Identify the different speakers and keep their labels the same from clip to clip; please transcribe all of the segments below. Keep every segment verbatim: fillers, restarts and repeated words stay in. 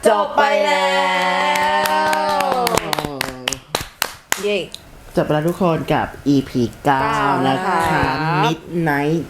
Speaker 1: จบไปแล้วเย้
Speaker 2: จบไปแล้วทุกคนกับ อี พี เก้านะคะ Midnight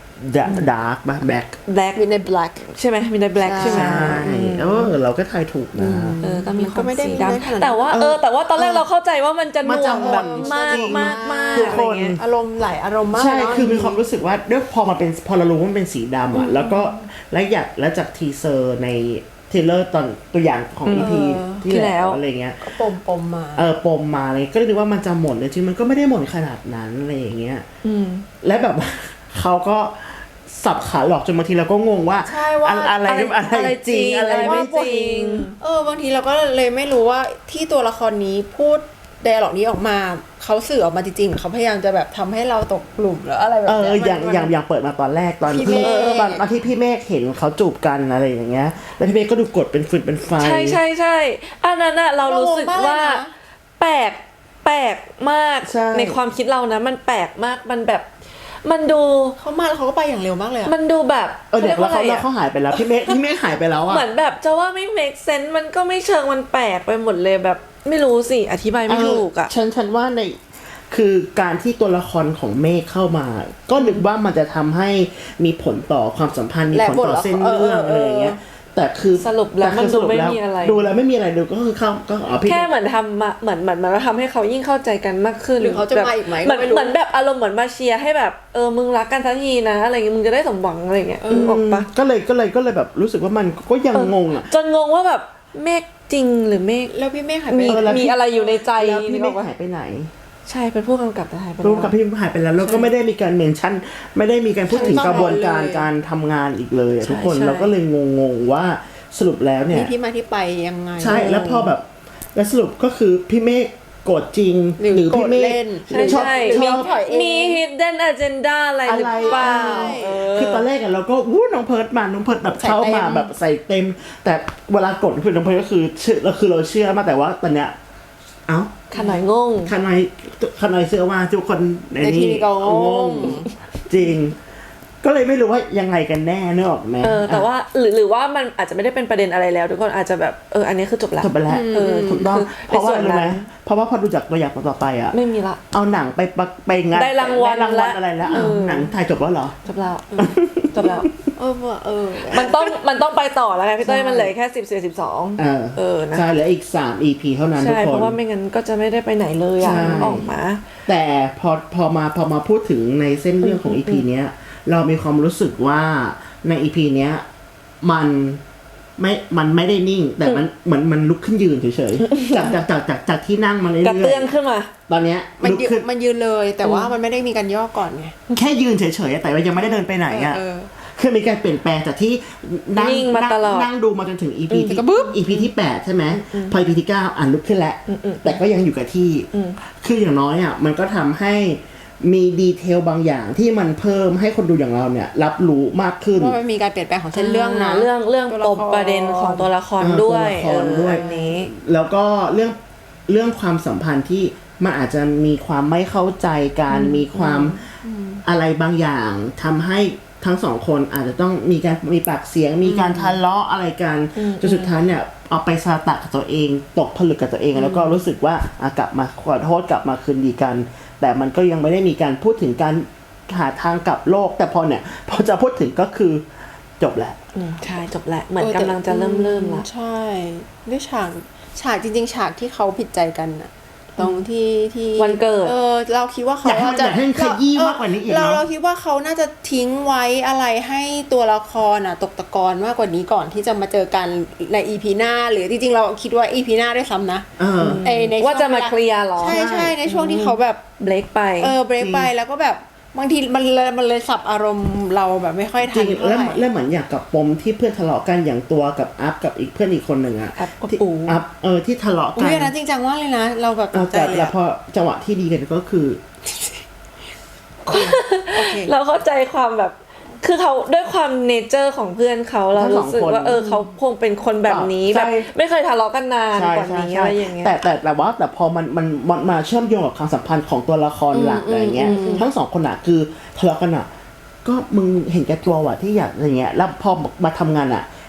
Speaker 2: Dark ป่ะ Black
Speaker 1: Black Midnight Black ใช่ไหม Midnight Black ใช่ไหม
Speaker 2: ใช่เออเราก็ทายถูกนะ
Speaker 1: เออก็มีความสีดำแต่ว่าเออแต่ว่าตอนแรกเราเข้าใจว่ามันจะหน่วงแบบมากมากมาก
Speaker 2: ทุกคน
Speaker 3: อารมณ์หลายอารมณ์มาก
Speaker 2: ใช่คือมีความรู้สึกว่าด้วยพอมาเป็นพอเรารู้ว่ามันเป็นสีดำอ่ะแล้วก็และอยากและจากทีเซอร์ในเทเลอร์ตอนตัวอย่างของ อี พี ที่แล้วอะไรเงี้ย
Speaker 3: ก็ปมปมมา
Speaker 2: เออปมมาเลยก็เลยนึกว่ามันจะหมดเลยจริงมันก็ไม่ได้หมดขนาดนั้นอะไรอย่างเงี้ยและแบบเขาก็สับขาหลอกจนบางทีเราก็งงว่าอะไรอะไรจริงอะไรไม่จริง
Speaker 3: เออบางทีเราก็เลยไม่รู้ว่าที่ตัวละครนี้พูดไดอะล็อกนี้ออกมาเขาสื่อออกมาจริงๆเขาพยายามจะแบบทำให้เราตกกลุ่มหรืออะไรแบบนี้
Speaker 2: เอออย่างอย่างอย่างเปิดมาตอนแรกตอนที่ตอนตอนที่พี่เมฆเห็นเขาจูบกันอะไรอย่างเงี้ยแล้วพี่เมฆก็ดูกดเป็นฟืนเป็นไฟ
Speaker 1: ใช่ใช่ใช่อันนั้นอะเรารู้สึกว่าแปลกแปลกมากในความคิดเรานะมันแปลกมากมันแบบมันดู
Speaker 3: เขามาแล้วเขาก็ไปอย่างเร็วมากเลย
Speaker 1: มันดูแบบ
Speaker 2: เออเดี๋ยวแล้วเขาแล้วเขาหายไปแล้วพี่เมฆพี่เมฆหายไปแล้วอะ
Speaker 1: เหมือนแบบจะว่าไม่ make sense มันก็ไม่เชิงมันแปลกไปหมดเลยแบบไม่รู้สิอธิบายไม่ถูกอะ
Speaker 2: ฉันฉันว่าในคือการที่ตัวละครของเมฆเข้ามาก็นึกว่ามันจะทำให้มีผลต่อความสัมพันธ์มีผลต่อเส้นเรื่องอะไรอย่างเงี้ยแต่คือ
Speaker 1: สรุปแล้วมันดูไม่มีอะไร
Speaker 2: ดูแล้วไม่มีอะไรดูก็คือเข้าก็อ๋อพี่
Speaker 1: แค่เหมือนทำมาเหมือนเหมือนมันทำให้เขายิ่งเข้าใจกันมากขึ้น
Speaker 3: หรือเขาจะมาอีกไหม
Speaker 1: เหมือนเหมือนแบบอารมณ์เหมือนมาเชียร์ให้แบบเออมึงรักกันทันทีนะอะไรเงี้ยมึงจะได้สมหวังอะไรเงี้ยบอกปะ
Speaker 2: ก็เลยก็เลยก็เลยแบบรู้สึกว่ามันก็ยังงงอ่ะ
Speaker 1: จนงงว่าแบบเมฆจริงหรือเมฆ
Speaker 3: แล้วพี่เมฆหายไป
Speaker 1: มีอะไรอยู่ในใจ
Speaker 2: แล้วพี่เมฆหายไปไหน
Speaker 1: ใช่เป็นผู้กำกับแต่หายไป
Speaker 2: ผู้กำกับพี่หายไปแล้วแล้วก็ไม่ได้มีการเมนชั่นไม่ได้มีการพูดถึงกระบวนการการทำงานอีกเลยทุกคนเราก็เลยงงๆว่าสรุปแล้วเนี่ย
Speaker 3: มีที่มาที่ไปยังไง
Speaker 2: ใช่แล้วพอแบบแล้วสรุปก็คือพี่เมฆโกรธจริงหรือพี่เมฆ
Speaker 1: ชอบมี hidden agenda อะไรหรือเปล่า
Speaker 2: คือตอนแรกอะเราก็วู้น้องเพิร์ดมาน้องเพิร์ดแบบเข้ามาแบบใส่เต็มแต่เวลากดคือน้องเพิร์ดก็คือเชื่อเราคือเราเชื่อมาแต่ว่าตอนเนี้ยเอ้า
Speaker 1: ขนายงง
Speaker 2: ขนายขนายเชื่อว่าทุกคนในนี้งงจริงก็เลยไม่รู้ว่ายังไงกันแน่นึกออกไหม
Speaker 1: เออแต่ว่าหรือหรือว่ามันอาจจะไม่ได้เป็นประเด็นอะไรแล้วทุกคนอาจจะแบบเอออันนี้คือจบแล้ว
Speaker 2: จบไปแล้วเออถูกต้องเพราะว่าอะไรไหมเพราะว่าพอดูจากตัวอย่างต่อไปอ่ะ
Speaker 1: ไม่มีละ
Speaker 2: เอาหนังไปไปงาน
Speaker 1: ได้รางวัล
Speaker 2: อะไรแล้วหนังถ่ายจบแล้วเหรอ
Speaker 1: จบแล้วจบแล้ว
Speaker 3: เออเออ
Speaker 1: มันต้องมันต้องไปต่อแล้วไงพี่เต้ยมันเหลือแค่สิบ สิบ สิบสอง
Speaker 2: เออเออนะใช่เหลืออีกสาม อี พี เท่านั้นทุกคนใช่
Speaker 1: เพราะว่าไม่งั้นก็จะไม่ได้ไปไหนเลยอ่ะออกมา
Speaker 2: แต่พอพอมาพอมาพูดถึงในเส้นเรื่องของ อี พี เนี้ยเรามีความรู้สึกว่าใน อี พี เนี้ยมันไม่มันไม่ได้นิ่งแต่มันเหมือนมันลุกขึ้นยืนเฉยๆจากจากจากจากจากที่นั่งมาเรื่อยๆ
Speaker 1: กระเตื้องขึ้นมา
Speaker 2: ตอนเนี้ย
Speaker 3: มันยืนมันยืนเลยแต่ว่ามันไม่ได้มีการย่อก่อนไง
Speaker 2: แค่ยืนเฉยๆแต่ว่ายังไม่ได้เดินไปไหนอ่ะคือมีการเปลี่ยนแปลงจากที่นั่งนั่งดูมาจนถึง อี พี ที่ อี พี ที่แปดใช่ไหมพอ อี พี ที่เก้าอ่านลุกขึ้นแล้วแต่ก็ยังอยู่กับที่คืออย่างน้อยอ่ะมันก็ทำให้มีดีเทลบางอย่างที่มันเพิ่มให้คนดูอย่างเราเนี่ยรับรู้มากขึ้น
Speaker 3: ว่ามันมีการเปลี่ยนแปลงของเส้นเรื่องนะ
Speaker 1: เรื่องเรื่องปมประเด็นของตัวละครด้วย
Speaker 2: เออด้วยนี้แล้วก็เรื่องเรื่องความสัมพันธ์ที่มันอาจจะมีความไม่เข้าใจกันมีความอะไรบางอย่างทำให้ทั้งสองคนอาจจะต้องมีการมีปากเสียงมีการทะเลาะอะไรกันจนสุดท้ายเนี่ยเอาไปสตะกับตัวเองตกผลึกกับตัวเองแล้วก็รู้สึกว่ากลับมาขอโทษกลับมาคืนดีกันแต่มันก็ยังไม่ได้มีการพูดถึงการหาทางกลับโลกแต่พอเนี่ยพอจะพูดถึงก็คือจบแล้ว
Speaker 1: ใช่จบแล้วเหมือนกำลังจะเริ่มเริ่มละ
Speaker 3: ใช่ด้วยฉากฉากจริงๆฉากที่เขาผิดใจกันน่ะตรงที่ที่
Speaker 1: วันเกิด
Speaker 3: เออเราคิดว่าเขา
Speaker 2: จะให้ขยี้มากกว่านี้อีก
Speaker 3: เราเราคิดว่าเขาน่าจะทิ้งไว้อะไรให้ตัวละครน่ะตกตะกอนมากกว่านี้ก่อนที่จะมาเจอกันใน อี พี หน้าหรือจริงๆเราคิดว่า อี พี หน้าด้วยซ้ำนะ
Speaker 2: ไอ
Speaker 1: ในว่าจะมาเคลียร์หรอ
Speaker 3: ใช่ใช่ในช่วงที่เขาแบบ
Speaker 1: เบรกไป
Speaker 3: เออเบรกไปแล้วก็แบบบางทีมันเลยมันเลยสับอารมณ์เราแบบไม่ค่อยทัน
Speaker 2: แล้วแล้วเหมือนอย่างกับปมที่เพื่อนทะเลาะกันอย่างตัวกับอัพกับอีกเพื่อนอีกคนหนึ่งอะ
Speaker 1: อัพกับ
Speaker 2: ปูอัพเออที่ทะเลาะกัน
Speaker 3: อุ้ยนะจริงจังว่าเลยนะเราแบบ
Speaker 2: ใจเลยแต่พอจังหวะที่ดีกันก็คือ
Speaker 1: เราเข้าใจความแบบคือเขาด้วยความเนเจอร์ของเพื่อนเขาเรารู้สึกว่าเออเขาคงเป็นคนแบบนี้แบบไม่เคยทะเลาะกันนานกว่านี้อะไรอย่างเงี้ย
Speaker 2: แต่แต่แต่ว่าแต่พอมันมันมันมาเชื่อมโยงกับความสัมพันธ์ของตัวละครหลักอะไรเงี้ยทั้งสองคนอะคือทะเลาะกันอะก็มึงเห็นแก่ตัวว่ะที่อยากอะไรเงี้ยแล้วพอมาทำงานอะ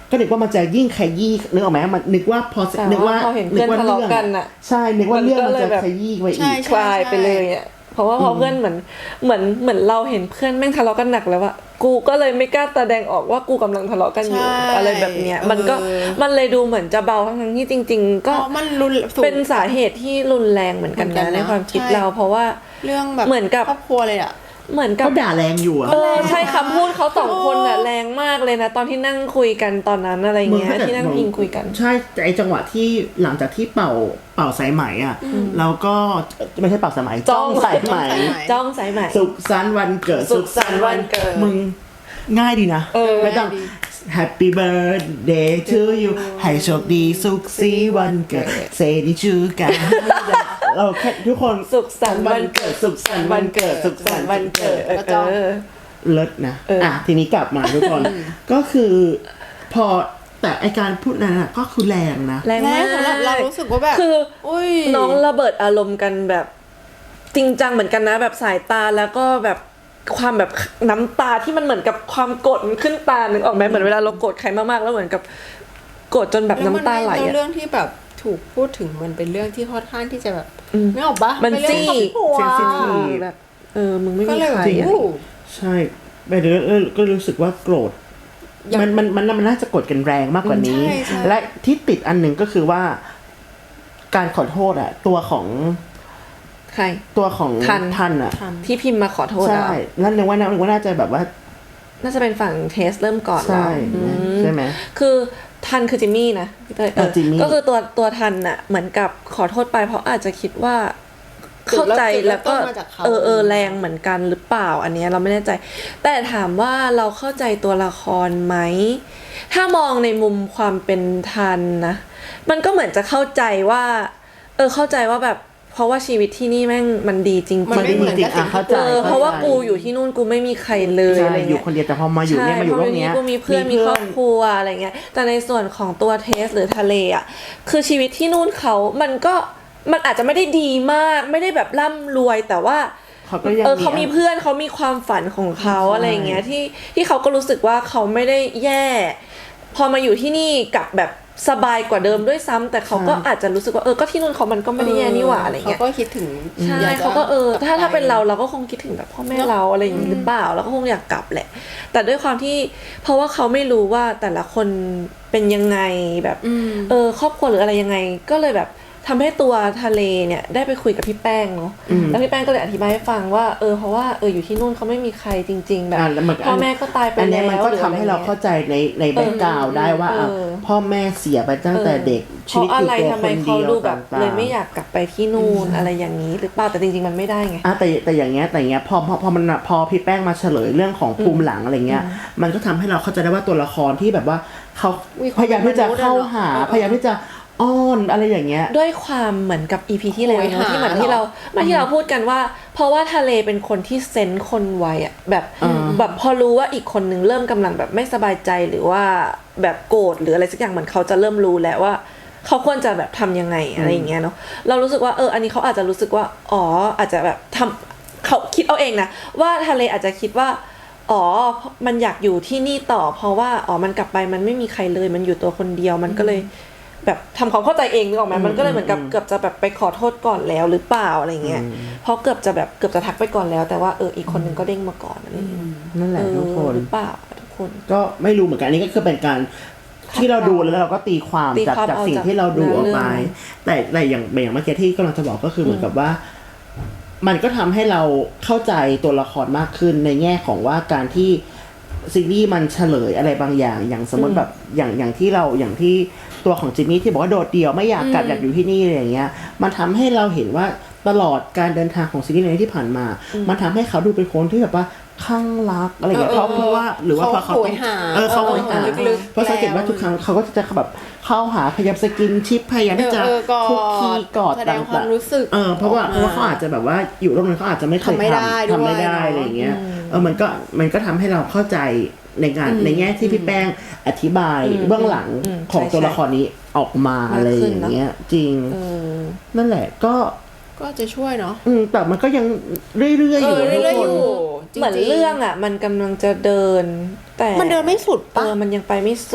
Speaker 2: ก็นึกว่ามันจะยิ่งขยี้นึกออกไหมมันนึกว่าพอนึกว่า
Speaker 1: พอเห็นเพื่อนทะเลาะกันอ่ะ
Speaker 2: ใช่นึกว่าเรื่องมันจะขยี้ไปอีก
Speaker 1: คลายไปเลยอ่ะเพราะว่าพอเพื่อนเหมือนเหมือนเหมือนเราเห็นเพื่อนแม่งทะเลาะกันหนักแล้วอะกูก็เลยไม่กล้าแสดงออกว่ากูกำลังทะเลาะกันอยู่อะไรแบบเนี้ยมันก็มันเลยดูเหมือนจะเบาทั้งที่จริงๆก็
Speaker 3: มันรุน
Speaker 1: เป็นสาเหตุที่รุนแรงเหมือนกันนะในความคิดเราเพราะว่า
Speaker 3: เรื่องแบบ
Speaker 1: เหมือนกับ
Speaker 3: ครอบครัวเลยอะ
Speaker 1: เหมือนกับ
Speaker 2: เขาด่าแรงอยู่อะ
Speaker 1: เออใช่คำพูดเขาสองคนอะแรงมากเลยนะตอนที่นั่งคุยกันตอนนั้นอะไรเงี้ยที่นั่งพิงคุยกัน
Speaker 2: ใช่แต่ไอจังหวะที่หลังจากที่เป่าเป่าสายไหมอ่ะแล้วก็ไม่ใช่เป่าสายไหมจ้องสายไหม
Speaker 1: จ้องสายไหม
Speaker 2: สุขสันต์วันเกิด
Speaker 1: สุขสันต์วันเกิด
Speaker 2: มึงง่ายดีนะไม่ต้อง Happy birthday to you ให้โชคดีสุขสีวันเกิดเซนิชูกันเราแค่ทุกคน
Speaker 1: สุขสันต์วันเกิดสุขสันต์วันเกิดสุขสันต์วันเกิดเออ
Speaker 2: เลิศนะอ่ะทีนี้กลับมาทุกคนก็คือพอแต่ไอการพูดนั้นอ่ะก็คือแรงนะ
Speaker 1: แรงมาก
Speaker 3: สำหรับเรารู้สึกว่าแบบ
Speaker 1: คือน้องระเบิดอารมณ์กันแบบจริงจังเหมือนกันนะแบบสายตาแล้วก็แบบความแบบน้ำตาที่มันเหมือนกับความโกรธขึ้นตานึกออกไหมเหมือนเวลาเราโกรธใครมากๆแล้วเหมือนกับโกรธจนแบบน้ำตาไหลอะ
Speaker 3: เรื่องที่แบบถูกพูดถึงมันเป็นเรื่องที่ค่อนข้างที่จะแบบไม่ออกปะ
Speaker 1: มันจี้
Speaker 3: เซนซิ
Speaker 1: ทีฟแบบเออมึงไม่มีใคร
Speaker 2: ใช่ไปเดี๋ยวก็รู้สึกว่าโกรธมันมันมันมันน่าจะโกรธกันแรงมากกว่านี้และที่ติดอันหนึ่งก็คือว่าการขอโทษอะตัวของ
Speaker 1: ใคร
Speaker 2: ตัวของทันอะ
Speaker 1: ที่พิมพ์มาขอโทษ
Speaker 2: ใช่แล้วนึกว่านึกว่าน่าจะแบบว่า
Speaker 1: น่าจะเป็นฝั่งเทสเริ่มก่อน
Speaker 2: ใช่ใช่ไหม
Speaker 1: คือทันคือจิมมี่นะก็คือตัวตัวทันอะเหมือนกับขอโทษไปเพราะอาจจะคิดว่าเข้าใจแล้วก็เออเออแรงเหมือนกันหรือเปล่าอันนี้เราไม่แน่ใจแต่ถามว่าเราเข้าใจตัวละครไหมถ้ามองในมุมความเป็นทันนะมันก็เหมือนจะเข้าใจว่าเออเข้าใจว่าแบบเพราะว่าชีวิตที่นี่แม่งมันดีจริงๆ
Speaker 2: มันไม่เหมือนกับเข้าใจ
Speaker 1: เพราะว่ากูอยู่ที่นู่นกูไม่มีใครเลยอะไรเงี้ย
Speaker 2: อยู่คนเดียวแต่พอมาอยู่เนี่ยมาอยู่โลกนี้
Speaker 1: กูมีเพื่อนมีครอบครัวอะไรเงี้ยแต่ในส่วนของตัวเทสหรือทะเลอ่ะคือชีวิตที่นู่นเขามันก็มันอาจจะไม่ได้ดีมากไม่ได้แบบร่ำรวยแต่ว่าเออเขามีเพื่อนเขามีความฝันของเขาอะไรเงี้ยที่ที่เขาก็รู้สึกว่าเขาไม่ได้แย่พอมาอยู่ที่นี่กับแบบสบายกว่าเดิมด้วยซ้ำแต่เขาก็อาจจะรู้สึกว่าเออก็ที่นู่นเขามันก็ไม่ได้แย่นี่หว่าอะไรเงี้ย
Speaker 3: เขาก็คิดถึง
Speaker 1: ใช่เขาก็เออถ้าถ้าเป็นเราเราก็คงคิดถึงแบบพ่อแม่เราอะไรอย่างนี้หรือเปล่าเราก็คงอยากกลับแหละแต่ด้วยความที่เพราะว่าเขาไม่รู้ว่าแต่ละคนเป็นยังไงแบบเออครอบครัวหรืออะไรยังไงก็เลยแบบทำให้ตัวทะเลเนี่ยได้ไปคุยกับพี่แป้งเนาะแล้วพี่แป้งก็เลยอธิบายให้ฟังว่าเออเพราะว่าเอออยู่ที่นู่นเขาไม่มีใครจริงๆแบบพ่อแม่ก็ตายไปแล้วอันนี้
Speaker 2: มันก็ทำให้เราเข้าใจในในแบ็คกราวด์ได้ว่าพ่อแม่เสียไปตั้งแต่เด็ก
Speaker 1: ชีวิตอยู่ตัวคนเดียวแบบเลยไม่อยากกลับไปที่นู่นอะไรอย่างนี้หรือเปล่าแต่จริงๆมันไม่ได้ไง
Speaker 2: อ่ะแต่แต่อย่างเงี้ยแต่อย่างเงี้ยพอพอพอมันพอพี่แป้งมาเฉลยเรื่องของภูมิหลังอะไรเงี้ยมันก็ทำให้เราเข้าใจได้ว่าตัวละครที่แบบว่าเขาพยายามที่จะเข้าหาพยายามที่จะอ้อนอะไรอย่างเงี้ย
Speaker 1: ด้วยความเหมือนกับ อี พี ที่แล้วเนาะที่เหมือนที่เราเมื่อที่เราพูดกันว่าเพราะว่าทะเลเป็นคนที่เซนส์คนไวอ่ะแบบแบบพอรู้ว่าอีกคนนึงเริ่มกำลังแบบไม่สบายใจหรือว่าแบบโกรธหรืออะไรสักอย่างเหมือนเขาจะเริ่มรู้แล้วว่าเขาควรจะแบบทำยังไงอะไรอย่างเงี้ยเนาะเรารู้สึกว่าเอออันนี้เขาอาจจะรู้สึกว่าอ๋ออาจจะแบบทำเขาคิดเอาเองนะว่าทะเลอาจจะคิดว่าอ๋อมันอยากอยู่ที่นี่ต่อเพราะว่าอ๋อมันกลับไปมันไม่มีใครเลยมันอยู่ตัวคนเดียวมันก็เลยแบบทำความเข้าใจเองนึกออกไหมมันก็เลยเหมือนกับเกือบจะแบบไปขอโทษก่อนแล้วหรือเปล่าอะไรเงี้ยเพราะเกือบจะแบบเกือบจะทักไปก่อนแล้วแต่ว่าเอออีกคนนึงก็เด้งมาก่อนอะไรเงี้ย
Speaker 2: นั่นแหละทุกคน
Speaker 1: หรือเปล่าทุกคน
Speaker 2: ก็ไม่รู้เหมือนกันอันนี้ก็คือเป็นการที่เราดูแล้วเราก็ตีความจากจากสิ่งที่เราดูออกไปแต่แต่อย่างอย่างเมื่อกี้ที่กำลังจะบอกก็คือเหมือนกับว่ามันก็ทำให้เราเข้าใจตัวละครมากขึ้นในแง่ของว่าการที่ซีรีส์มันเฉลยอะไรบางอย่างอย่างสมมติแบบอย่างอย่างที่เราอย่างที่ตัวของจิมมี่ที่บอกว่าโดดเดี่ยวไม่อยากกลับอยากอยู่ที่นี่อะไรอย่างเงี้ยมันทำให้เราเห็นว่าตลอดการเดินทางของซีรีส์ในที่ผ่านมามันทำให้เขาดูเป็นคนที่แบบว่าข้างรักอะไรอย่างเงี้ยเพราะเพราะว่าหรือว่าเพราะเขาเออเขาโหยหาเพราะสังเกตว่าทุกครั้งเขาก็จะแบบเข้าหาพยายามสกินชิปพยายามที่จะคุกคีกอดต่างๆเออเพราะว่าเพราะว่าเขาอาจจะแบบว่าอยู่โลกนั้นเขาอาจจะไม่เคยทำทำไม่ได้อะไรอย่างเงี้ยเออมันก็มันก็ทำให้เราเข้าใจในงานในแง่ที่พี่แป้งอธิบายเบื้องหลังของตัวละครนี้ออกมาอะไรอย่างเงี้ยจริงนั่นแหละก็
Speaker 3: ก็จะช่วยเนาะ
Speaker 2: อืมแต่มันก็ยังเรื่อยๆอยู่ทุกคน
Speaker 1: เหมือนเรื่องอ่ะมันกำลังจะเดินแต่
Speaker 3: มันเดินไม่สุด
Speaker 1: ป่ะเออมันยังไปไม่สุด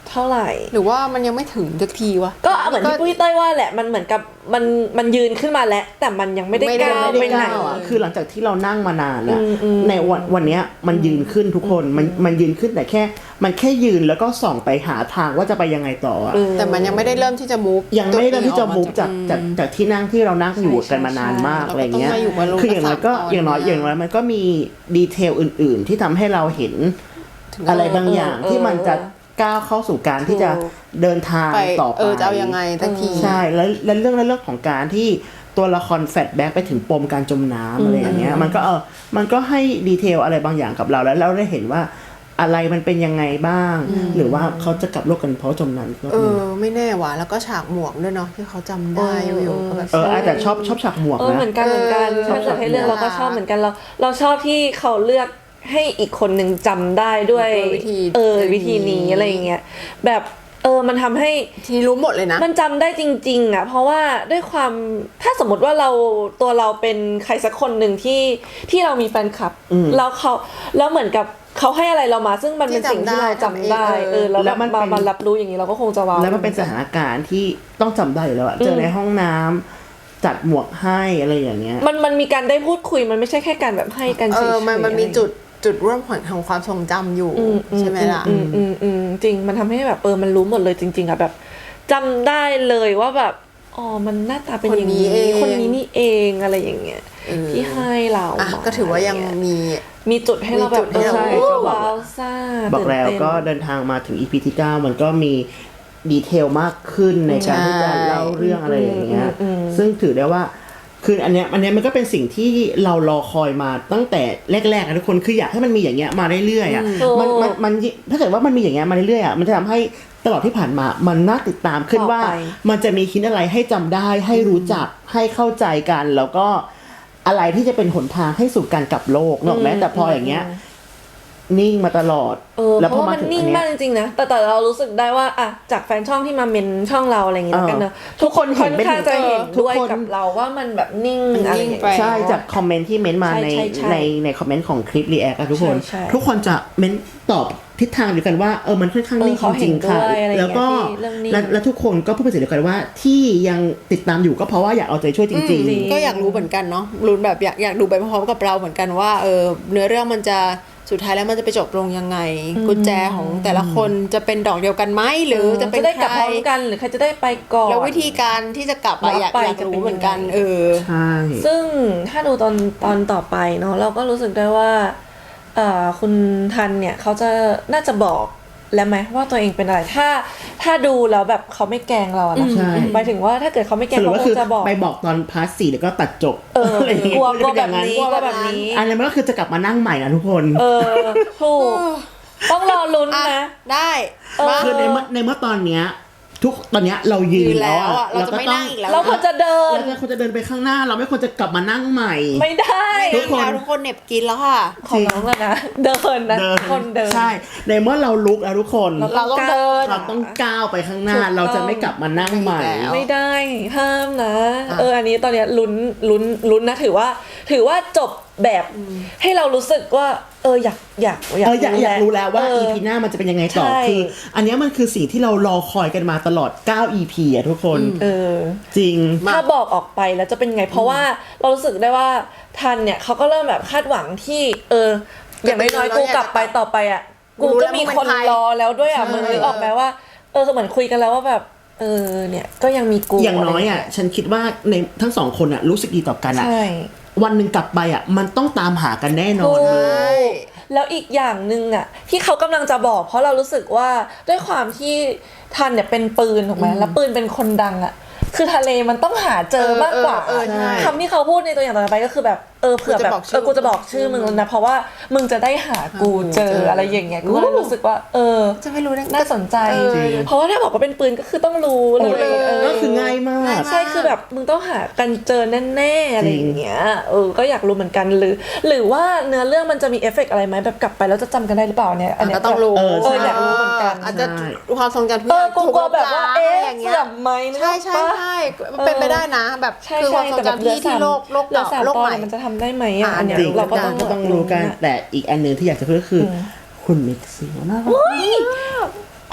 Speaker 1: เท่าไหร่
Speaker 3: หรือว่ามันยังไม่ถึงสักทีวะ
Speaker 1: ก็เหมือนที่ปุ้ยเต้ยว่าแหละมันเหมือนกับมันมันยืนขึ้นมาแล้วแต่มันยังไม่ได้
Speaker 3: ไม่ได้
Speaker 1: ก้าว
Speaker 3: ไม่
Speaker 1: ไป
Speaker 3: ได้
Speaker 1: ไหน
Speaker 3: ก้าวอะ
Speaker 2: คือหลังจากที่เรานั่งมานานอะ
Speaker 1: อืมอืม
Speaker 2: ในวันวันเนี้ยมันยืนขึ้นทุกคนมันมันยืนขึ้นแต่แค่ มันแค่ยืนแล้วก็ส่องไปหาทางว่าจะไปยังไงต่ออะ
Speaker 1: เออ
Speaker 3: แต่มันยังไม่ได้เริ่มที่จะ move
Speaker 2: ยังไม่ได้เริ่มที่จะ
Speaker 3: ตัวเอง
Speaker 2: มุก
Speaker 3: ออ
Speaker 2: จากจากจากที่นั่งที่เรานั่งอยู่กันมานานมาก
Speaker 3: ใช่
Speaker 2: อะไรเงี้ย
Speaker 3: เราก็ต้องมาอยู่บนโลก
Speaker 2: คืออย่างน้อยก็
Speaker 3: สามตอน
Speaker 2: อย่างน้อยอย่างน้อยมันก็มีดีเทลอื่น ๆ ที่ทำให้เราเห็นอะไรบางอย่าง
Speaker 1: เออ
Speaker 2: ที่มันจะก้าวเข้าสู่การที่จะเดินทาง
Speaker 3: ไป
Speaker 2: ต่อไป
Speaker 3: เออจะเอายังไงสักที
Speaker 2: ใช่แล้วแล้วเรื่องแล้วเรื่องของการที่ตัวละครแฟลชแบ็กไปถึงปมการจมน้ำอะไรอย่างเงี้ยมันก็เออมันก็ให้ดีเทลอะไรบางอย่างกับเราแล้วเราได้เห็นว่าอะไรมันเป็นยังไงบ้าง หรือว่าเขาจะกลับโลกกันเพราะจมน้ำก็
Speaker 3: เอ
Speaker 2: มี
Speaker 3: อไม่แน่ว่ะแล้วก็ฉากหมวกด้วยเนาะที่เขาจำได้
Speaker 1: เออ
Speaker 3: วิวก็แบบ
Speaker 2: เออแต่ชอบชอบฉากหมวก
Speaker 1: เออเหมือ
Speaker 2: นะ
Speaker 1: นกันเหมือนกัน
Speaker 3: เออ
Speaker 1: ถ้าเกิดให้เลือก
Speaker 3: ชอบ
Speaker 1: เราก็ชอบเหมือนกันเราเราชอบที่เขาเลือกให้อีกคนหนึ่งจำได้ด้วย
Speaker 3: ด้วยวิธี
Speaker 1: เออวิธีนี้อะไรอย่างเงี้ยแบบเออมันทำให้
Speaker 3: ทีนี้รู้หมดเลยนะ
Speaker 1: มันจำได้จริงๆอ่ะเพราะว่าด้วยความถ้าสมมติว่าเราตัวเราเป็นใครสักคนหนึ่งที่ที่เรามีแฟนคลับ
Speaker 2: อืม
Speaker 1: แล้วเขาแล้วเหมือนกับเขาให้อะไรเรามา ซึ่งมันเป็นสิ่งที่เราจำได้
Speaker 3: ที่จำได้
Speaker 1: เออแล้ว
Speaker 2: แล้วมัน
Speaker 1: มา
Speaker 2: เป็น
Speaker 1: มารับรู้อย่างนี้เราก็คงจะว้าว
Speaker 2: แล้วมันเป็นสถานการณ์ที่ต้องจำได้อยู่แล้วอะเจอในห้องน้ำจัดหมวกให้อะไรอย่างเงี้ย
Speaker 1: มันมันมีการได้พูดคุยมันไม่ใช่แค่การแบบให้กัน
Speaker 3: เอ
Speaker 1: เฉย
Speaker 3: อมันมันมีจุดจุดร่วมของความทรงจำอยู่
Speaker 1: อือื
Speaker 3: ใช่ไหมล่ะ
Speaker 1: อืมอืมอืมจริงมันทำให้แบบเออมันรู้หมดเลยจริงๆอ่ะแบบจำได้เลยว่าแบบอ๋อมันหน้าตาเป็นอย่างนี้
Speaker 3: คนนี้เอง
Speaker 1: คนนี้นี่เองอะไรอย่างเงี้ย
Speaker 3: เออ
Speaker 1: ที่ให้เรา
Speaker 3: อ่ะ
Speaker 1: มา
Speaker 3: ก็ถือว่ายัง
Speaker 1: อะไรเ
Speaker 3: มี
Speaker 1: มีจุดให้เราแบบ
Speaker 3: มีจุดให้เรา
Speaker 1: ใช่
Speaker 2: ก็บอก
Speaker 1: ว้าวซ่า
Speaker 2: บอกแล้ว
Speaker 1: ตื่นเต้น
Speaker 2: ก็เดินทางมาถึง อี พี ที่เก้ามันก็มีดีเทลมากขึ้นในการที่จะเล่าเรื่องอะไรอย่างเงี้ย
Speaker 1: อืมอืม
Speaker 2: ซึ่งถือได้ว่าคืออันเนี้ยอันเนี้ยมันก็เป็นสิ่งที่เรารอคอยมาตั้งแต่แรกๆอะทุกคนคืออยากให้มันมีอย่างเงี้ยมาเรื่อยๆอ่ะมันมันมันถ้าเกิดว่ามันมีอย่างเงี้ยมาเรื่อยๆอ่ะมันจะทำให้ตลอดที่ผ่านมามันน่าติดตามขึ้นว่า มันจะมีคิดอะไรให้จำได้ให้รู้จักให้เข้าใจกัน แล้วก็อะไรที่จะเป็นหนทางให้สู่การกลับโลกนอกแม้แต่พออย่างเงี้ยนิ่งมาตลอด
Speaker 1: เออ
Speaker 2: แล้ว
Speaker 1: เพ
Speaker 2: พอ
Speaker 1: ราะว่า
Speaker 2: มา
Speaker 1: มัน
Speaker 2: ถึง
Speaker 1: นิ่
Speaker 2: อั
Speaker 1: ง
Speaker 2: นเนี้
Speaker 1: มาก
Speaker 2: ย
Speaker 1: จริงๆนะแต่แต่เรารู้สึกได้ว่าอะจากแฟนช่องที่มาเมนช่องเราอะไรอย่างเงี้ยแล้วกันเนอะ
Speaker 2: เออ
Speaker 1: ทุกคน
Speaker 2: ทุกคนเห็
Speaker 1: ค่อน น
Speaker 2: เป็น
Speaker 1: ข้างจะเห็น
Speaker 2: ทุก
Speaker 1: ด้วย
Speaker 2: คน
Speaker 1: กับเราว่ามันแบบนิ่ง
Speaker 3: มัน
Speaker 1: อะไร
Speaker 3: นิ่
Speaker 1: อย่าง ง
Speaker 3: ไป
Speaker 1: เงี้ย
Speaker 2: ใช่จากคอมเมนต์ที่เม้นต์มา
Speaker 1: ใช่
Speaker 2: ใน
Speaker 1: ใช่ใช่
Speaker 2: ในในคอมเมนต์ของคลิปรีแอคอะทุกคน
Speaker 1: ใช่ใช่
Speaker 2: ทุกคนจะเม้นต์ตอบทิศทางเดียวกันว่าเออมันค่อนข้าง
Speaker 1: เออ
Speaker 2: นิ่ง
Speaker 1: เขา
Speaker 2: จริงๆค่ะ
Speaker 1: เห็นด้วยอะไรอย่างเงี้ย
Speaker 2: แล้วก็
Speaker 1: ที่เรื่องนิ่ง
Speaker 2: และและทุกคนก็พูดเป็นเสียงเดียวกันว่าที่ยังติดตามอยู่ก็เพราะว่าอยากเอาใจช่วยจริง
Speaker 1: จริง
Speaker 3: ก็อยากรู้เหมือนกันเนาะรู้แบบอยากอยากดูไปพร้อมๆกับเราเหมือนกันว่าเออเนื้อเรื่องมันจะสุดท้ายแล้วมันจะไปจบลงยังไง กุญแจของแต่ละคนจะเป็นดอกเดียวกันไหมหรือจะเป็น
Speaker 1: จะได้กลับ
Speaker 3: ใค
Speaker 1: พ
Speaker 3: ร
Speaker 1: ร้อมกันหรือใครจะได้ไปก่อน
Speaker 3: แล้ววิธีการที่จะกลับอะอยาก
Speaker 1: รับไป
Speaker 3: อยาก
Speaker 1: จะเป็น
Speaker 3: รู้เหมือนกัน
Speaker 1: ยังไง
Speaker 3: เออ
Speaker 2: ๆ ใช่
Speaker 1: ซึ่งถ้าดูตอนตอนต่อไปเนาะเราก็รู้สึกได้ว่าเอ่อคุณทันเนี่ยเขาจะน่าจะบอกแล้วไหมว่าตัวเองเป็นอะไรถ้าถ้าดูแล้วแบบเขาไม่แกล้งเราอะนะ
Speaker 2: ใช่
Speaker 1: หมายถึงว่าถ้าเกิดเขาไม่แกล้
Speaker 2: ส
Speaker 1: ง
Speaker 2: รุป
Speaker 1: เขา
Speaker 2: ก็
Speaker 1: ค
Speaker 2: คือง
Speaker 1: จะบอก
Speaker 2: ไปบอกตอนพาร์ทสี่แล้วก็ตัดจบ
Speaker 1: เออ
Speaker 2: อะไรอย่างเงี้ย
Speaker 1: กลัวกลัว
Speaker 2: จะ
Speaker 1: แบ
Speaker 2: เป็น
Speaker 1: บ
Speaker 2: อย่าง
Speaker 1: นี้กลัวแบบนี้
Speaker 2: อันนั้นมันก็คือจะกลับมานั่งใหม่นะทุกคน
Speaker 1: เออถูกต้องรอลุ้น
Speaker 3: อ่ะ
Speaker 1: นะ
Speaker 3: ได้
Speaker 1: เออ
Speaker 3: มา
Speaker 2: คือในเมื่อในเมื่อตอนเนี้ยทุกตอนเนี้ยเรายืน
Speaker 3: ยืนแล้
Speaker 2: แล้ว
Speaker 3: ว
Speaker 2: อะ
Speaker 3: อะเราจะไม่นั่งอีกแล้ว
Speaker 1: เราควรจะเดิน
Speaker 2: เราควรจะเดินไปข้างหน้า เราไม่ควรจะกลับมานั่งใหม่
Speaker 1: ไม่ได้
Speaker 3: ไม่
Speaker 2: ทุ
Speaker 3: นั่
Speaker 2: ก
Speaker 3: ง
Speaker 2: คน
Speaker 3: แล้วทุกคนเหน็บกินแล้วค่ะ
Speaker 1: ของน้องอะนะเดินนะคนเดิน
Speaker 2: ใช่ ในเมื่อเราลุกแล้วทุกคน
Speaker 3: เราต้องเดิน
Speaker 2: เราต้องก้าวไปข้างหน้า
Speaker 1: ถูกต้อง
Speaker 2: เราจะไม่กลับมานั่งใหม่
Speaker 3: แล้ว
Speaker 1: ไม่ได้ห้ามนะ
Speaker 3: อ่ะ
Speaker 1: เอออันนี้ตอนเนี้ยลุ้นลุ้นลุ้นนะถือว่า ถือว่าจบแบบให้เรารู้สึกว่า เอออยากอยาก
Speaker 2: เอออยากอยากรู้แล้วว่า
Speaker 1: เออ
Speaker 2: อี พี หน้ามันจะเป็นยังไงต่อ
Speaker 1: ใช่
Speaker 2: คือ อันเนี้ยมันคือสิ่งที่เรารอคอยกันมาตลอดเก้า อี พี อ่ะทุกคน
Speaker 1: เออ
Speaker 2: จริง
Speaker 3: มา
Speaker 1: ถ้าบอกออกไปแล้วจะเป็นไง เพราะว่าเรารู้สึกได้ว่าทันเนี่ยเขาก็เริ่มแบบคาดหวังที่ เออ อย่างน้อยๆกูกลับไปต่อไปอ่ะ
Speaker 3: กู
Speaker 1: กู
Speaker 3: รู้แล้
Speaker 1: ก็
Speaker 3: ว
Speaker 1: มี
Speaker 3: มึงเป็น
Speaker 1: คน
Speaker 3: ใคร
Speaker 1: รอแล้วด้วยอ่ะ
Speaker 3: ใช่
Speaker 1: มึงนึกออกไหมว่า เออเหมือนคุยกันแล้วว่าแบบ เออเนี่ยก็ยังมีกู
Speaker 2: อย่างน้อยอ่ะ ฉันคิดว่าในทั้งสองคนอ่ะรู้สึกดีต่อกันอ่ะ
Speaker 1: ใช่
Speaker 2: วันหนึ่งกลับไปอ่ะ มันต้องตามหากันแน่นอน
Speaker 1: ถูก
Speaker 2: นะ
Speaker 3: ใช่
Speaker 1: แล้วอีกอย่างหนึ่งอ่ะที่เขากำลังจะบอก เพราะเรารู้สึกว่าด้วยความที่ทันเนี่ยเป็นปืนถูกไหมแล้วปืนเป็นคนดังอ่ะคือทะเลมันต้องหาเจอมากกว่า
Speaker 3: เออเออเออใช่
Speaker 1: คำที่เขาพูดในตัวอย่างต่อไปก็คือแบบเออเผื่อแบบ
Speaker 3: กูจะบอกชื่
Speaker 1: เอ
Speaker 3: อ
Speaker 1: อกูจะบอกชื่อมึงแล้วนะเพราะว่ามึงจะได้หากูเจอ
Speaker 3: เจออ
Speaker 1: อะไรอย่างเงี้ยกูก็เลยรู้สึกว่า เออ
Speaker 3: จะไม่รู้ได้ไง
Speaker 1: น่าสนใจ
Speaker 3: เออ
Speaker 2: จริง
Speaker 1: เพราะว่าถ้าบอกว่าเป็นปืนก็คือต้องรู้เล
Speaker 2: โอ้
Speaker 1: ย
Speaker 2: ย
Speaker 1: เออ
Speaker 2: ก็คือง่ายมาก
Speaker 1: ใช่คือแบบมึงต้องหากันเจอแน่ๆอะไรอย่างเงี้ยเออก็อยากรู้เหมือนกันหรือ หรือว่าเนื้อเรื่องมันจะมีเอฟเฟกต์อะไรไหมแบบกลับไปแล้วจะจำกันได้หรือเปล่าเนี่ยอันเนี้ย
Speaker 3: ก็ต้องรู้
Speaker 2: เออใช่
Speaker 1: เอออยากรู้เหมือนกัน
Speaker 3: อาจจะ
Speaker 2: ใช่
Speaker 3: ความทรงจำทุก
Speaker 1: เอ
Speaker 3: อ
Speaker 1: อย่าง กู
Speaker 3: ถู
Speaker 1: กลัวแบบว่า
Speaker 3: ลบล้ง
Speaker 1: เอ๊ะ
Speaker 3: อะไรอย่างเงี้ย
Speaker 1: เสื่อมไหมนึก
Speaker 3: ใช่
Speaker 1: ออก
Speaker 3: ใช่
Speaker 1: ปะ
Speaker 3: ใช่เป็นไปได้นะ แบบ
Speaker 1: ใช่
Speaker 3: คือความ
Speaker 1: ใช่
Speaker 3: ทรง
Speaker 1: แต่แบบ
Speaker 3: จำที่ที่โลกโลก
Speaker 1: เหลือ
Speaker 3: เก่า
Speaker 1: สาม
Speaker 3: โลก
Speaker 1: ตอ
Speaker 3: ให
Speaker 1: น
Speaker 3: ม่
Speaker 1: มันจะทำได้ไหมอ่ะ
Speaker 3: อ่ะ
Speaker 1: อันเนี้ย
Speaker 2: จริง
Speaker 1: เราก็
Speaker 2: ก็
Speaker 1: ต้อง
Speaker 2: ก็ต้องรู้กัน แต่อีกอันหนึ่งที่อยากจะพูดก็คืออคุณมิกซี่น่ารัก
Speaker 1: ค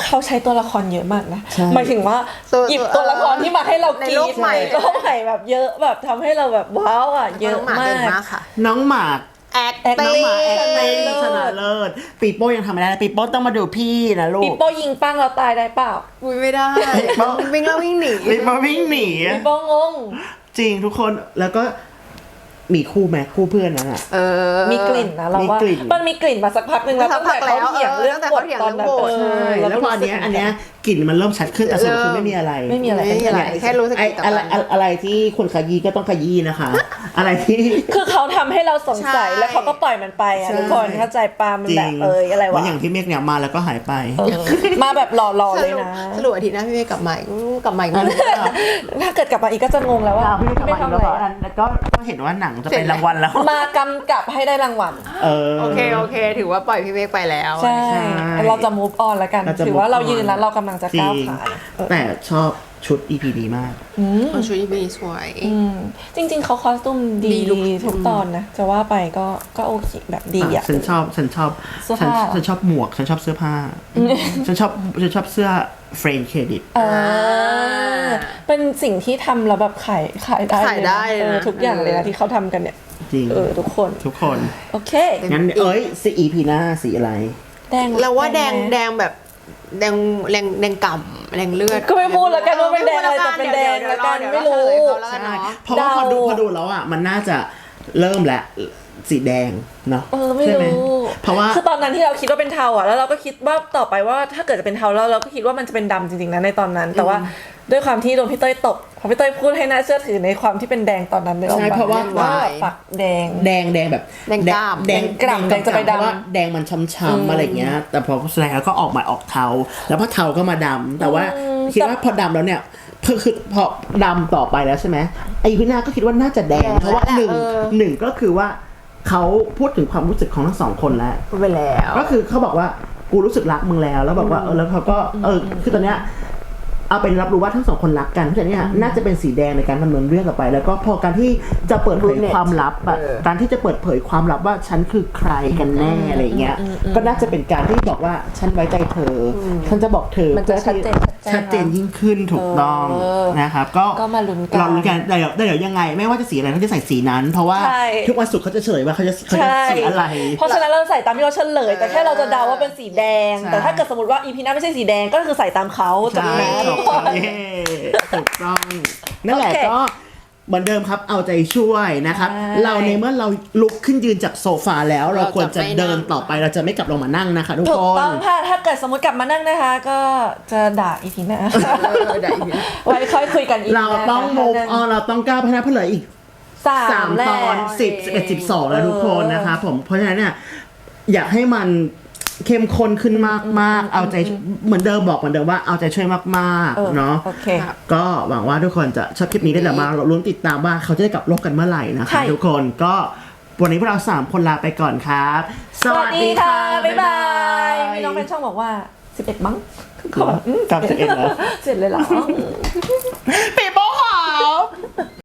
Speaker 1: เขาใช้ตัวละครเยอะมากนะ
Speaker 2: ใช่
Speaker 1: หมายถึงว่า
Speaker 3: ตัว
Speaker 1: หยิบตัวละครที่มาให้เรา
Speaker 3: ใน
Speaker 1: กรี๊
Speaker 3: โล
Speaker 1: ด
Speaker 3: กใหม่
Speaker 1: โลกใหม่แบบเยอะแบบทำให้เราแบบว้าวอ่ะเยอะ
Speaker 3: น้งห
Speaker 1: มา
Speaker 3: เก่ง
Speaker 1: ก
Speaker 3: มากค่ะ
Speaker 2: น้องหมาก
Speaker 3: แอค
Speaker 1: แอค
Speaker 2: น้องหมาแอค
Speaker 1: ชนะ
Speaker 2: ติ้ง
Speaker 1: เลิศ
Speaker 2: ชนะเลิศปีโป้ยังทำไม่ได้นะปีโป้ต้องมาดูพี่นะลูก
Speaker 1: ปีโป้ยิงปั้งเราตายได้เปล่า
Speaker 3: อุ้ยไม่ได้วิ่งแล้ววิ่งหนี
Speaker 2: ปีโป้วิ่งหนี
Speaker 1: ปีโป้งง
Speaker 2: จริงทุกคนแล้วก็มีคู่ไหมคู่เพื่อนนั้นอ่ะ
Speaker 3: เออ
Speaker 1: มีกลิ่นนะเราว่า
Speaker 2: มีกลิ่น
Speaker 1: มันมีกลิ่นมาสักพักหนึ่งแล้ว
Speaker 3: สั
Speaker 1: ตั้
Speaker 3: ก
Speaker 1: ง
Speaker 3: พั
Speaker 1: แต่
Speaker 3: กแล้ว
Speaker 1: เขาเถียงเรื่อง
Speaker 3: เออตั้งแต่
Speaker 1: บท
Speaker 3: เขาเถียง
Speaker 1: ตอนนั้น
Speaker 3: เรื่องบท
Speaker 1: เออ
Speaker 2: ใช่แล้วพออันเนี้ยอันเนี้ยกลิ่นมันเริ่มชัดขึ้นแต่สรุปคือไม่มีอะไร
Speaker 1: ไม่มีอะไร
Speaker 3: ไม่มีอะไรแค่รู้สึก
Speaker 2: ไอ้
Speaker 3: ต่อ
Speaker 2: อะไร
Speaker 3: กัน
Speaker 2: อะไรที่คนขยี้ก็ต้องขยี้นะคะ อะไรที่
Speaker 1: คือเขาทำให้เราสงสัย
Speaker 3: ใช่
Speaker 1: แล้วเขาก็ปล่อยมันไปอ่ะ
Speaker 2: ใช่
Speaker 1: ทุกคนเข้าใจปามัน
Speaker 2: จริ
Speaker 1: แบ
Speaker 2: ง
Speaker 1: บเอยอะไร
Speaker 2: เหมือ
Speaker 1: วะ
Speaker 2: นอย่างที่เมฆเนี่ยมาแล้วก็หายไป
Speaker 1: เออมาแบบหล่อๆเลยนะ
Speaker 3: สรุปอาทิตย์หน้าพี่เมย์กลับมาอีกอืมกลับมาอีกไหม
Speaker 1: ถ้าเกิดกลับมาอีกก็จะงงแล้วว่า
Speaker 2: พี่ไม่ทำ
Speaker 1: ทำ
Speaker 2: อะไร
Speaker 1: อะไร
Speaker 2: แล้วก็ก็เห็นว่าหนังจะเป็นรางวัลแล้ว
Speaker 1: มากำกับให้ได้รางวัล
Speaker 2: เออ
Speaker 3: โอเคโอเค ถือว่าปล่อยพี่เมฆไปแล้ว
Speaker 1: ใช่
Speaker 2: ใช่
Speaker 1: เราจะ move on แล้วกัน
Speaker 2: เราจะ
Speaker 1: ถือว่า
Speaker 2: move
Speaker 1: เรา
Speaker 2: on
Speaker 1: ยืนแล้วเรากำลังจะ
Speaker 2: จริ
Speaker 1: ก้าว
Speaker 2: ง
Speaker 1: ขา
Speaker 2: แต่ชอบชุด อี พี ดีมาก
Speaker 3: คนชุดพี่เมย์สวย
Speaker 1: อืมจริง ๆเขาคอสตูมดี
Speaker 3: ดีลุค
Speaker 1: ทุกตอนนะ จะว่าไปก็ก็โอเคแบบดีอ่ะ
Speaker 2: ฉันชอบฉันชอบ
Speaker 1: เสื้อ
Speaker 2: ฉัน
Speaker 1: ผ้า
Speaker 2: ฉันชอบหมวกฉันชอบเสื้อผ้าฉันชอบฉันชอบเสื้อเฟรนด์เครดิต
Speaker 1: เออเป็นสิ่งที่ทำแล้วแบบขายขายได้
Speaker 3: ขายได้
Speaker 1: เลยนะ
Speaker 3: เลยนะ
Speaker 1: เออทุกอย่างเลย
Speaker 3: เอ
Speaker 1: นะ
Speaker 3: อ
Speaker 1: ที่เขาทำกันเนี่ย
Speaker 2: จริง
Speaker 1: เออทุกคน
Speaker 2: ทุกคน
Speaker 1: โอเค
Speaker 2: งั้นเอ้ยสี อี พี หน้าสีอะไร
Speaker 1: แดง
Speaker 3: เราว่าแดง
Speaker 1: ไหม
Speaker 3: แดงแบบแดงแดงแดงก่ำแดงเลือด
Speaker 1: ก็ไม่พูดแล้วกันว่าเป็นแดงอะไรแต่เป็นแดงแล้วกันไม่รู้
Speaker 3: แล้วกัน
Speaker 2: ใช่
Speaker 3: เนาะ
Speaker 2: เพราะว่าพอ
Speaker 1: เดา
Speaker 2: ดูพอดูแล้วอ่ะมันน่าจะเริ่มแล้วสีแดงเนาะ
Speaker 1: เออไม่
Speaker 2: ใช่ห
Speaker 1: รู้
Speaker 2: เพราะว่า
Speaker 1: คือตอนนั้นที่เราคิดว่าเป็นเทาอ่ะแล้วเราก็คิดว่าต่อไปว่าถ้าเกิดจะเป็นเทาแล้วเราก็คิดว่ามันจะเป็นดำจริงๆนะในตอนนั้น แต่ว่าด้วยความที่โดนพี่เต้ยตกพอพี่เต้ยพูดให้น่าเชื่อถือในความที่เป็นแดงตอนนั้นเลย
Speaker 2: ใช่เพราะว่า
Speaker 1: ว่าฝักแดง
Speaker 2: แดงแดงแบบ
Speaker 3: แดงกล้าม
Speaker 2: แดง
Speaker 1: แดงกล้ามแดงจะไปดำ
Speaker 2: เพราะว่าแดงมันช้ำๆอะไรเงี้ย แต่พอแสดงแล้วก็ออกมาออกเทาแล้วพอเทาก็มาดำแต่ว่าคิดว่าพอดำแล้วเนี่ยคือคือพอดำต่อไปแล้วใช่ไหมไอ้พี่นาก็คิดว่าน่าจะแดง
Speaker 3: แดง
Speaker 2: เพราะว่า
Speaker 3: แล้ว
Speaker 2: หนึ่ง
Speaker 3: เออ
Speaker 2: หนึ่งก็คือว่าเขาพูดถึงความรู้สึกของทั้งสองคนแล้ว
Speaker 3: พูดไปแล้ว
Speaker 2: ก็คือเขาบอกว่ากูรู้สึกรักมึงแล้วแล้วบอกว่าเออแล้วเขาก็เออคือตอนเนี้ยเอาเป็นรับรู้ว่าทั้งสองคนรักกันเพราะฉะนั้นเนี่ยน่าจะเป็นสีแดงในการดำเนินเรื่องต่อไป แล้วก็พอการที่จะเปิดเผยความลับอะการที่จะเปิดเผยความลับว่าฉันคือใครกันแน่อะไรเงี้ยก็น่าจะเป็นการที่บอกว่าฉันไว้ใจเธออฉันจะบอกเธอ
Speaker 1: มันจะชัดเจน
Speaker 2: ชัดเจนยิ่งขึ้นถูกต้อง
Speaker 1: เออ
Speaker 2: นะครับก็
Speaker 1: ก็มาลุ้นกัน
Speaker 2: เราลุ้นกันแต่เดี๋ยวแต่เดี๋ยวยังไง ไม่ว่าจะสีอะไรเขาจะใส่สีนั้น เพราะว่า
Speaker 1: ใช่
Speaker 2: ทุกวันศุกร์เขาจะเฉลยว่าเขาจะเขาจะ
Speaker 1: ใช่
Speaker 2: สีอะไร
Speaker 1: เพราะฉะนั้นเราใส่ตามที่เขาเฉลย แต่แค่เราจะเดาว่าเป็นสีแดง
Speaker 2: ใช่
Speaker 1: แต่ถ้าเกิดสมมติว่าอีพีหน้าไม่ใช่สีแดงก็คือใส่ตามเขาจบ
Speaker 2: ใช่
Speaker 1: นะ
Speaker 2: ถูกต้องเย้ถูกต้องนั่นแหละ
Speaker 1: โอเค
Speaker 2: ก็เหมือนเดิมครับเอาใจช่วยนะครับ
Speaker 1: ใช่
Speaker 2: เราในเมื่อเราลุกขึ้นยืนจากโซฟาแล้ว เรา
Speaker 3: เราจะ
Speaker 2: ควรจะ
Speaker 3: ไม่นั่ง
Speaker 2: เดินต่อไปเราจะไม่กลับลงมานั่งนะคะทุก
Speaker 1: ถู
Speaker 2: ค
Speaker 1: ก
Speaker 2: น
Speaker 1: ต้องค่ะถ้าเกิดสมมติกลับมานั่งนะคะ ก็จะด่าอีพีหน้า
Speaker 3: เออได้อีก
Speaker 1: ไว้ค่อยคุยกันอีก
Speaker 2: เราต้อง
Speaker 1: นะคะ
Speaker 2: move on เราต้องก้าวพัฒนาเพื่อเหลืออีก
Speaker 1: สา
Speaker 2: สาม ม
Speaker 1: แล้
Speaker 2: ต
Speaker 1: ว
Speaker 2: อนสิบสิบเอ็ดสิบสองแล้วทุกคนนะคะผมเพราะฉะนั้นเนี่ยอยากให้มันเข้มข้นขึ้นมากๆ เอาใจเหมือนเดิมบอกเหมือนเดิมว่าเอาใจช่วยมาก
Speaker 1: เออ
Speaker 2: ๆเนาะ
Speaker 1: โอเค
Speaker 2: ก็หวังว่าทุกคนจะชอบคลิปนี้ได้แหละมาเราลุ้นติดตามว่าเขาจะได้กลับโลกกันเมื่อไหร่นะ
Speaker 1: ใช่
Speaker 2: คะทุกคนก็วันนี้พวกเราสามคนลาไปก่อนครับ
Speaker 1: สวัสดีค่ะ บ๊ายบาย มีน้องเป็นช่องบอกว่าสิบเอ็ดมั้งเขาแบบ
Speaker 2: จำสิบเอ็ดแล้ว
Speaker 1: เสร็จเลยเหรอ
Speaker 2: ปีโป้ขาว